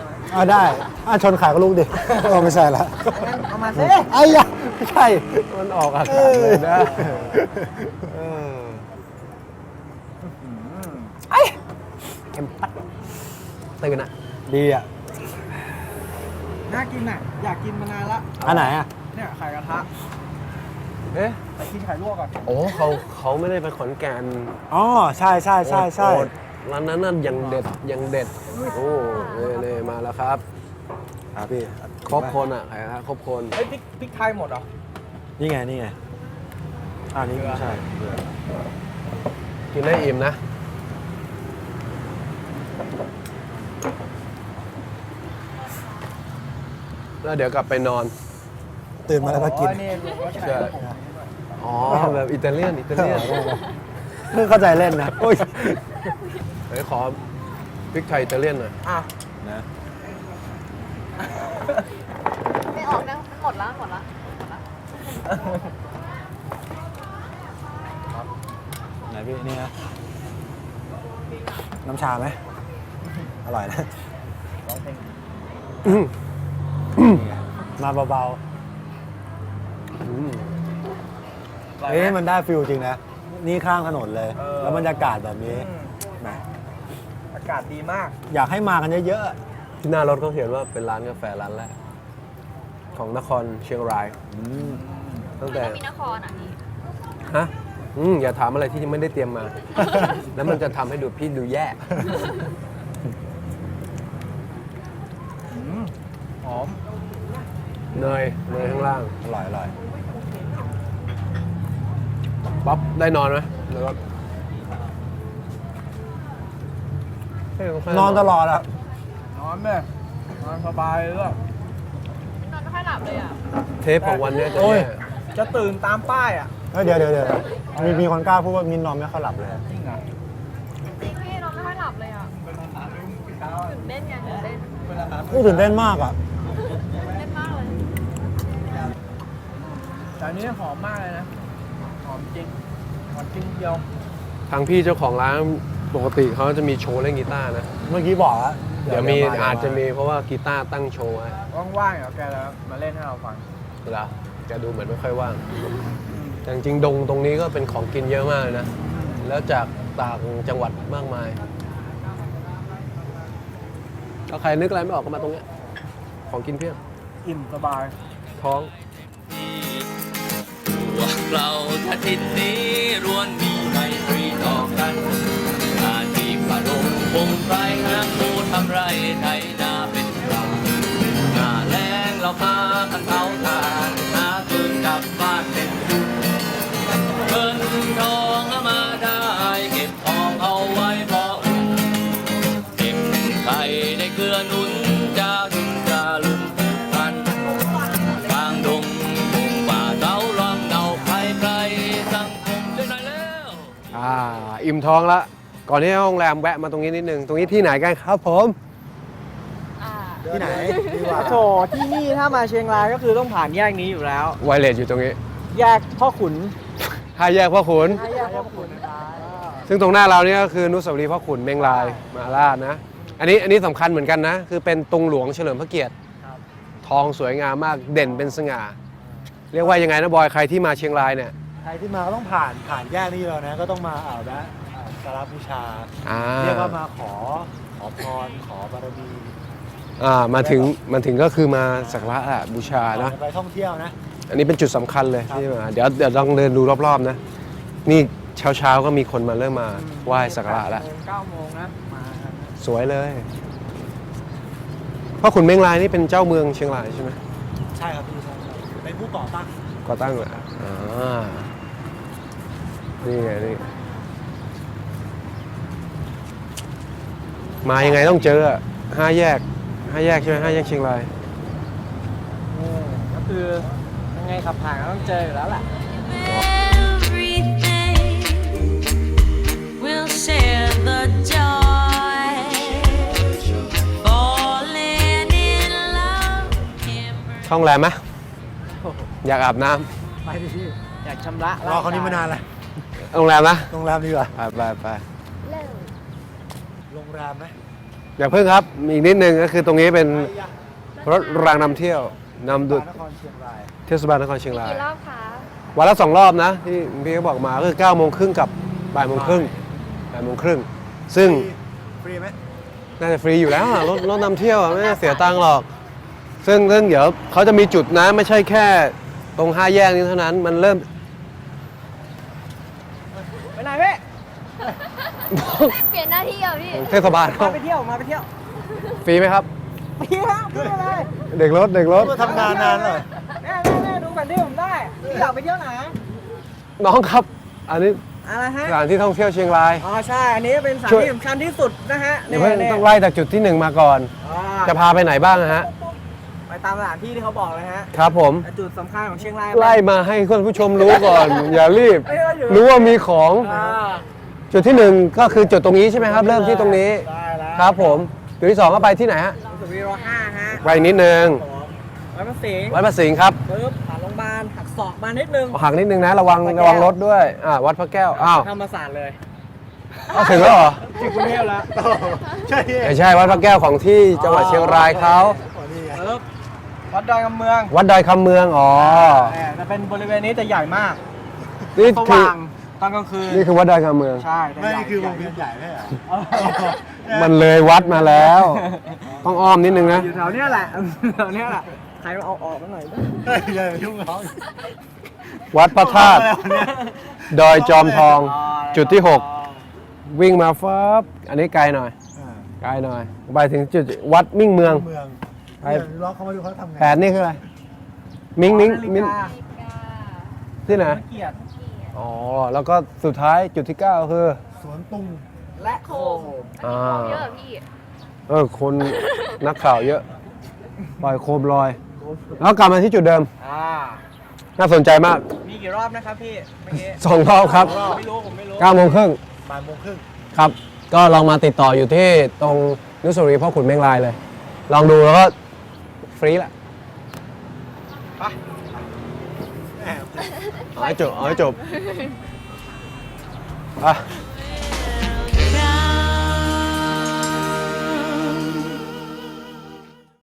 ได้ชนขายก็ลูกดิไม่ใช่ละเอามาสิไอ้ยะไม่ใช่มันออกอากาศเลยนะเข็มปัดตื่นอ่ะดีอ่ะน่ากินอ่ะอยากกินมานานละอันไหนอ่ะเนี่ยไข่กระทะไปกินไข่ลวกก่อนโอ้เขาไม่ได้ไปขอนแก่นอ๋อใช่ร้านนั้นยังเด็ดโอ้เนี่ยมาแล้วครับพี่ครบคนอ่ะใครครับครบคนเฮ้ยพริกไทยหมดเหรอนี่ไงนี่ไม่ใช่กินได้อิ่มนะแล้วเดี๋ยวกลับไปนอนตื่นมาแล้วก็กินอ๋อแบบอิตาเลียนเพิ่งเข้าใจเล่นนะเฮ้ยขอพริกไทยอิตาเลียนหน่อยนะไม่ออกนะมันหมดแล้วไหนพี่นี่นะน้ำชาไหมอร่อยนะมาเบาๆมันได้ฟิลจริงนะนี่ข้างถนนเลยแล้วบรรยากาศแบบนี้อากาศดีมากอยากให้มากันเยอะๆที่หน้ารถเขาเขียนว่าเป็นร้านกาแฟร้านแรกของนครเชียงรายตั้งแต่มีนครอ่ะนี่ฮะอย่าถามอะไรที่ยังไม่ได้เตรียมมา แล้วมันจะทำให้พี่ดูแย่หอมเนยข้างล่างอร่อยป๊อปได้นอนไหมแล้วก็นอนตลอดอะนอนไหมนอนสบายเลยนอนไม่ค่อยหลับเลยอ่ะเทปของวันนี้จะตื่นตามป้ายอ่ะเดี๋ยวมีคนกล้าพูดว่ามินนอนไม่ค่อยหลับเลยจริงเหรอจริงพี่นอนไม่ค่อยหลับเลยอ่ะตื่นเต้นไงตื่นเต้นตื่นเต้นมากอ่ะเต้นมากเลยแต่อันนี้หอมมากเลยนะหอมจริงเดียวทางพี่เจ้าของร้านปกติเขาจะมีโชว์เล่นกีตาร์นะเมื่อกี้บอกแล้วเดี๋ยวอาจจะมีเพราะว่ากีตาร์ตั้งโชว์ไว้ว่างๆเดี๋ยวแกแล้วมาเล่นให้เราฟังเหรอแกดูเหมือนไม่ค่อยว่างแต่จริงๆตรงนี้ก็เป็นของกินเยอะมากเลยนะแล้วจากต่างจังหวัดมากมายถ้าใครนึกอะไรไม่ออกก็มาตรงนี้ของกินเพียบอิ่มสบายท้องพวกเราท่าทิศนี้ล้วนมีไมตรีต่อกันอาชีพประดงคงไพรหาคู่ทำไรไถนาเป็นปลาหน้าแล้งเราพากันเผาถ่านหาคืนกลับบ้านเป็นเงินทองมาได้เก็บทองเอาไว้พออุ่นเก็บไข่ได้เกลือนุ่นจะดุนจะลุนพันกลางดงป่าเต้าร้องเดาใครสังคมช่วยหน่อยแล้วอิ่มท้องละก่อนที่โรงแรมแวะมาตรงนี้นิดนึงตรงนี้ที่ไหนกันครับผมที่ไหนโถที่นี่ถ้ามาเชียงรายก็คือต้องผ่านแยกนี้อยู่แล้วไวเลสอยู่ตรงนี้แยกพ่อขุน 5 แยกพ่อขุนซึ่งตรงหน้าเราเนี่ยก็คืออนุสาวรีย์พ่อขุนเมงรายมาราชนะอันนี้สำคัญเหมือนกันนะคือเป็นตุงหลวงเฉลิมพระเกียรติทองสวยงามมากเด่นเป็นสง่าเรียกว่ายังไงนะบอยใครที่มาเชียงรายเนี่ยใครที่มาก็ต้องผ่านแยกนี้แล้วนะก็ต้องมาสักการะบูชาเรียกว่ามาขอพรขอบารมีมาถึงก็คือมาสักการะบูชานะไปท่องเที่ยวนะอันนี้เป็นจุดสำคัญเลยที่มาเดี๋ยวลองเดินดูรอบๆนะนี่เช้าก็มีคนมาเริ่มมาไหว้สักการะแล้ว 9 โมงนะมาสวยเลยพ่อขุนเมงรายนี่เป็นเจ้าเมืองเชียงรายใช่ไหมใช่ครับพี่ใช่เป็นผู้ก่อตั้งเหรอนี่ไงนี่มายังไงต้องเจอ5 แยกใช่ไหม5 แยกเชียงรายก็คือยังไงขับผ่านก็ต้องเจออยู่แล้วแหละท่องแรมไหมอยากอาบน้ำไปดิพี่อยากชำระรอเขานี้มานานแล้วโรงแรมนะโรงแรมดีกว่าไปโรงแรมไหมอย่าเพิ่งครับมีอีกนิดนึงก็คือตรงนี้เป็นรถรางนำเที่ยวนำดุนครเชียงรายเทศบาลนครเชียงรายกี่รอบคะวันละ2 รอบนะที่พี่เขาบอกมาก็คือ9 โมงครึ่งกับบ่ายโมงครึ่งซึ่งฟรีไหมน่าจะฟรีอยู่แล้วอะรถนำเที่ยวอะไม่ได้เสียตังค์หรอกซึ่งเดี๋ยวเขาจะมีจุดนะไม่ใช่แค่ตรง5 แยกนี้เท่านั้นมันเริ่มไปไหนเว้ยเปลี่ยนหน้าที่เหรอพี่เทศบาลมาไปเที่ยวมาไปเที่ยวฟรีไหมครับไปเที่ยวพูดอะไรเด็กรถมาทำงานนานเลยแม่ดูแผนที่ผมได้พี่อยากไปเที่ยวไหนน้องครับ อันนี้อะไรฮะสถานที่ท่องเที่ยวเชียงรายอ๋อใช่อันนี้เป็นสถานช่วยที่สำคัญที่สุดนะฮะเดี๋ยวเพิ่งต้องไล่จากจุดที่ 1 มาก่อน จะพาไปไหนบ้างอะฮะไปตามสถานที่ที่เขาบอกเลยฮะครับผมจุดสำคัญของเชียงรายไล่มาให้คุณผู้ชมรู้ก่อน อย่ารีบเอ้ยอยู่รู้ว่ามีของอ่าจุดที่ 1 ก็คือจุดตรงนี้ใช่ไหมครับ เริ่มที่ตรงนี้ได้แล้วครับผม จุดที่ 2 ก็ไปที่ไหนฮะสุวีโร5ฮะไปนิดนึงวัดพระสิงห์วัดพระสิงห์ครับปึ๊บผ่านโรงพยาบาลหักศอกมานิดนึงหักนิดนึงนะระวังรถด้วยวัดพระแก้วอ้าวธรรมศาสตร์เลยเอาถึงแล้วเหรอที่กรุงเทพแล้วใช่ไม่ใช่วัดพระแก้วของที่จังหวัดเชียงรายเขานี่ไงปึ๊บวัดดอยคำเมืองวัดดอยคำเมืองอ๋อแต่เป็นบริเวณนี้จะใหญ่มากนี่สคือว่างตอนกลางคืนนี่คือวัดดอยคำเมืองใช่แต่ไม่ใหญ่นี่คือวงเวียนใหญ่ไม่เหรอมันเลยวัดมาแล้ว ต้องอ้อมนิดนึงนะอยู่แถวเนี้ยแหละแถวเนี้ยแหละใครมาเอาออกมาหน่อยดิเฮ้ยอย่ายุ่งเขาวัดพระธาตุดอยจอมทอง จุดที่ 6 วิ่งมาฟับอันนี้ไกลหน่อย ไกลหน่อย ไปถึงจุดวัดมิ่งเมืองเมืองไปเนี่ยล็อกเขามาดูเขาทำไง 8นี่คืออะไร มิ่งมิ่งนาฬิมิ่งกาที่ไหนเกียรติอ๋อ แล้วก็สุดท้ายจุดที่ 9 คือสวนตุงและโคมอ่าเยอะเหรอพี่คนนักข่าวเยอะ ปล่อยโคมลอย แล้วกลับมาที่จุดเดิม น่าสนใจมากมีกี่รอบนะครับพี่เมื่อกี้ 2 รอบครับไม่รู้ผมไม่รู้ 9 โมงครึ่งบ่ายโมงครึ่งครับ ก็ลองมาติดต่ออยู่ที่ตรงอนุสาวรีย์พ่อขุนเมงรายเลย ลองดูแล้วก็ฟรีแหละไปเอาให้จบอ่ะ